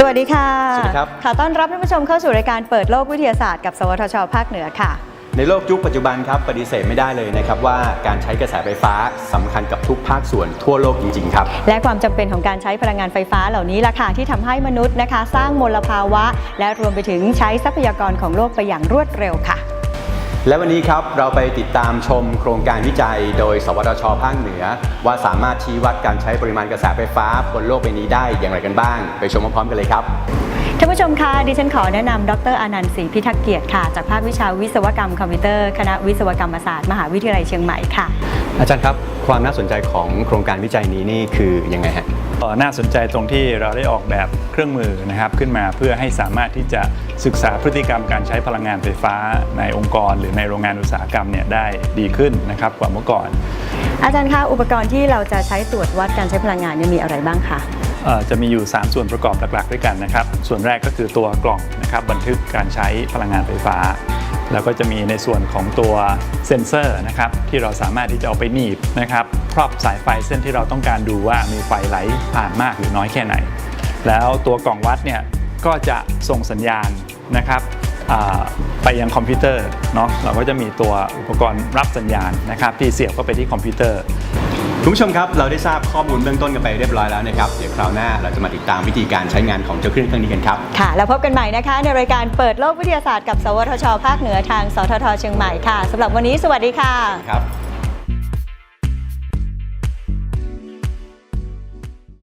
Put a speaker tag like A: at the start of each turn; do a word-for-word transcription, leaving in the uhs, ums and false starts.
A: วัสดีค่ะ
B: สวัสดีครับ
A: ขอต้อนรับท่านผู้ชมเข้าสู่รายการเปิดโลกวิทยาศาสตร์กับสวทช.ภาคเหนือค่ะ
B: ในโลกยุคปัจจุบันครับปฏิเสธไม่ได้เลยนะครับว่าการใช้กระแสไฟฟ้าสำคัญกับทุกภาคส่วนทั่วโลกจริงๆครับ
A: และความจำเป็นของการใช้พลังงานไฟฟ้าเหล่านี้ล่ะค่ะที่ทำให้มนุษย์นะคะสร้างมลภาวะและรวมไปถึงใช้ทรัพยากรของโลกไปอย่างรวดเร็วค่ะ
B: และวันนี้ครับเราไปติดตามชมโครงการวิจัยโดยสวทช.ภาคเหนือว่าสามารถชี้วัดการใช้ปริมาณกระแสไฟฟ้าบนโลกใบนี้ได้อย่างไรกันบ้างไปชมพร้อมๆกันเลยครับ
A: ท่านผู้ชมคะดิฉันขอแนะนำดร.อานันต์ศรีพิทักษ์เกียรติค่ะจากภาควิชาวิศวกรรมคอมพิวเตอร์คณะวิศวกรรมศาสตร์มหาวิทยาลัยเชียงใหม่ค่ะ
B: อาจารย์ครับความน่าสนใจของโครงการวิจัยนี้นี่คือยังไงฮะ
C: น่าสนใจตรงที่เราได้ออกแบบเครื่องมือนะครับขึ้นมาเพื่อให้สามารถที่จะศึกษาพฤติกรรมการใช้พลังงานไฟฟ้าในองค์กรหรือในโรงงานอุตสาหกรรมเนี่ยได้ดีขึ้นนะครับกว่าเมื่อก่อน
A: อาจารย์คะอุปกรณ์ที่เราจะใช้ตรวจวัดการใช้พลังงานเนี่ยมีอะไรบ้างคะ
C: จะมีอยู่สามส่วนประกอบหลักๆด้วยกันนะครับส่วนแรกก็คือตัวกล่องนะครับบันทึกการใช้พลังงานไฟฟ้าแล้วก็จะมีในส่วนของตัวเซ็นเซอร์นะครับที่เราสามารถที่จะเอาไปหนีบนะครับครอบสายไฟเส้นที่เราต้องการดูว่ามีไฟไหลผ่านมากหรือน้อยแค่ไหนแล้วตัวกล่องวัดเนี่ยก็จะส่งสัญญาณนะครับไปยังคอมพิวเตอร์เนาะเราก็จะมีตัวอุปกรณ์รับสัญญาณนะครับที่เสียบเข้าไปที่คอมพิวเตอร์
B: คุณผู้ชมครับเราได้ทราบข้อมูลเบื้องต้นกันไปเรียบร้อยแล้วนะครับเดี๋ยวคราวหน้าเราจะมาติดตามวิธีการใช้งานของเจ้าเครื่องเครื่องนี้กันครับ
A: ค่ะแล้วพบกันใหม่นะคะในรายการเปิดโลกวิทยาศาสตร์กับสวทช.ภาคเหนือทางสทท.เชียงใหม่ค่ะสำหรับวันนี้สวัสดีค่ะ
B: ครับ